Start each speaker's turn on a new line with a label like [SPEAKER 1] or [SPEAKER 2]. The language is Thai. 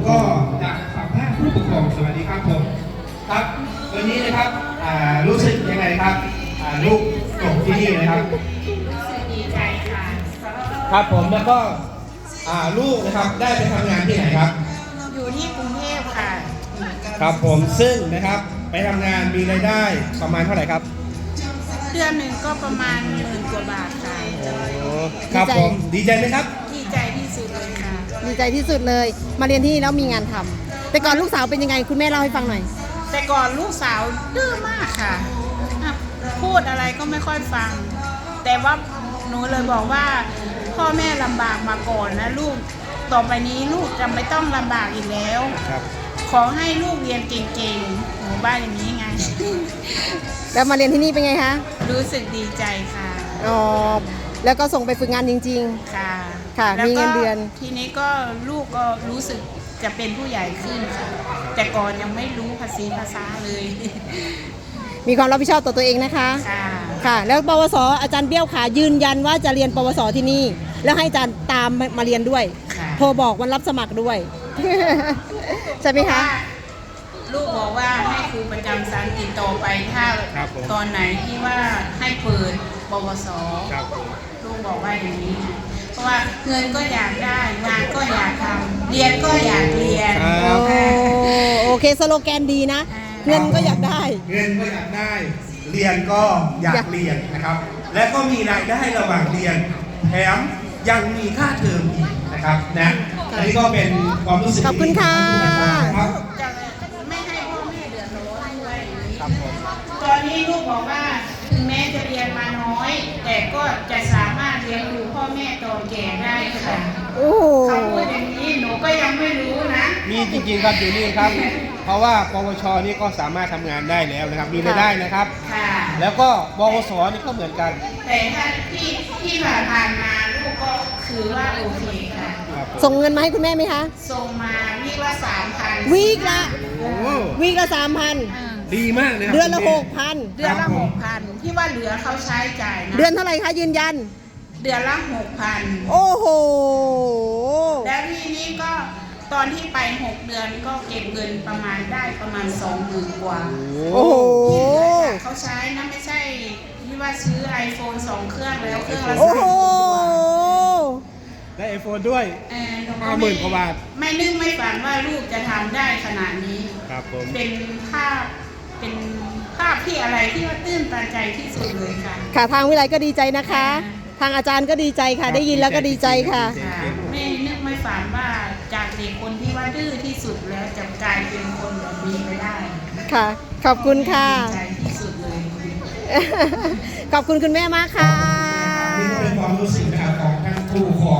[SPEAKER 1] ก็จากสัมภาษณ์ผู้ปกครองสวัสดีครับผมครับวันนี้นะครับรู้สึกยังไงครับลูกจบที่นี่นะครับ
[SPEAKER 2] รู้สึกดีใจค่ะ
[SPEAKER 1] ครับผมแล้วก็ลูกนะครับได้ไปทำงานที่ไหนครับ
[SPEAKER 2] อยู่ที่กรุงเทพค่ะ
[SPEAKER 1] ครับผมซึ่งนะครับไปทำงานมีรายได้ประมาณเท่าไหร่ครับ
[SPEAKER 2] เดือนหนึ่งก็ประมาณ10,000 กว่าบาทค่ะ
[SPEAKER 1] ครับผมดีใจไหมครับ
[SPEAKER 2] ดีใจที่สุดเลยค่ะ
[SPEAKER 3] ดีใจที่สุดเลยมาเรียนที่นี่แล้วมีงานทำแต่ก่อนลูกสาวเป็นยังไงคุณแม่เล่าให้ฟังหน่อย
[SPEAKER 2] แต่ก่อนลูกสาวดื้อมากค่ะพูดอะไรก็ไม่ค่อยฟังแต่ว่าหนูเลยบอกว่าพ่อแม่ลำบากมาก่อนนะลูกต่อไปนี้ลูกจะไม่ต้องลำบากอีกแล้วขอให้ลูกเรียนเก่งๆหนูบ้านอย่างนี้ไง
[SPEAKER 3] แล้วมาเรียนที่นี่เป็นไงคะ
[SPEAKER 2] รู้สึกดีใจค่ะ
[SPEAKER 3] อ๋อแล้วก็ส่งไปฝึกงานจริง
[SPEAKER 2] ๆค่ะ
[SPEAKER 3] ค่ะมีเงินเดือน
[SPEAKER 2] ทีนี้ก็ลูกก็รู้สึกจะเป็นผู้ใหญ่ขึ้นค่ะแต่ก่อนยังไม่รู้ภาษาเลย
[SPEAKER 3] มีความรับผิดชอบต่อตัวเองนะคะค่ะแล้วปวสอาจารย์เบี้ยวขายืนยันว่าจะเรียนปวสที่นี่แล้วให้อาจารย์ตามมาเรียนด้วยโทรบอกวันรับสมัครด้วยใช่ไหมคะ
[SPEAKER 2] ลูกบอกว่าให้ครูประจำชั้นติดต่อไปถ้าตอนไหนที่ว่าให้เปิดปวสลูกบอกว่าอย่างนี้เพราะว่าเงินก็อยากได้งานก็อยากทำเรียนก็อยากเรียน
[SPEAKER 3] โอเคสโลแกนดีนะเงินก็อยากได้
[SPEAKER 1] เงินก็อยากได้เรียนก็อยากเรียนนะครับและก็มีรายได้ระหว่างเรียนแถมยังมีค่าเทอมอีกนะครับนะอันนี้ก็เป็นความรู้สึก
[SPEAKER 3] ขอบคุณค่ะ
[SPEAKER 2] ครับจะไม่ให้พ่อแม่เดือดร้อนด้วยตอนนี้ลูกบอกว่าถึงแม้จะเรียนมาน้อย แต่ก็จะสามารถเลี้ยงดูพ่อแม่ตอนแก่ได้ค่ะเขาพูดอย่างนี้หนูก็ยังไม่รู้นะ
[SPEAKER 1] มีจริงๆครับอยู่นี่ครับเพราะว่าปวชนี่ก็สามารถทำงานได้แล้วนะครับมีรายได้นะครับแล้วก็ปวสนี่ก็เหมือนกัน
[SPEAKER 2] แต่ถ้าที่ผ่านมาลูกก็คือว่าโอเคค่ะ
[SPEAKER 3] ส่งเงินมาให้คุณแม่ไหมคะ
[SPEAKER 2] ส่งมาวีคละ3,000
[SPEAKER 3] วีคละ3,000
[SPEAKER 1] ดีมากเลย
[SPEAKER 3] เดือนละ6,000
[SPEAKER 2] เดือนละ6,000ที่ว่าเหลือเขาใช้จ่ายนะ
[SPEAKER 3] เดือนเท่าไหร่คะยืนยัน
[SPEAKER 2] เดือนละ6,000
[SPEAKER 3] โอ้โห
[SPEAKER 2] แล้วทีนี้ก็ตอนที่ไป6 เดือนก็เก็บเงินประมาณได้ประมาณ20,000 กว่า
[SPEAKER 3] โอ้โห
[SPEAKER 2] เขาใช้นะไม่ใช่ที่ว่าซื้อ iPhone 2 เครื่องแล้วเครื่องละ
[SPEAKER 3] โอ้โห
[SPEAKER 1] ได้ iPhone ด้วย50,000 กว่าบาท
[SPEAKER 2] ไม่นึกไม่ฝันว่าลูกจะทำได้ขนาดนี้
[SPEAKER 1] ครับผม
[SPEAKER 2] เป็นภาพที่อะไรที่ว่าตื้นตันใจที่สุดเลยค่ะ
[SPEAKER 3] ค่ะทางวิไลก็ดีใจนะคะทางอาจารย์ก็ดีใจค่ะได้ยินแล้วก็ดีใจค่ะ
[SPEAKER 2] ไม่นึกไม่ฝันว่าจากเด็กคนที่ว่าดื้อที่สุดแล้วจะกลายเป็นคนแบบนี้ไปได้
[SPEAKER 3] ค่ะขอบคุณค่ะ
[SPEAKER 2] ดีใจที่สุดเลย
[SPEAKER 3] ขอบคุณคุณแม่มากค่ะ
[SPEAKER 1] นี่ก็เป็นความรู้สึกนะครับของท่านผู้ปกครอง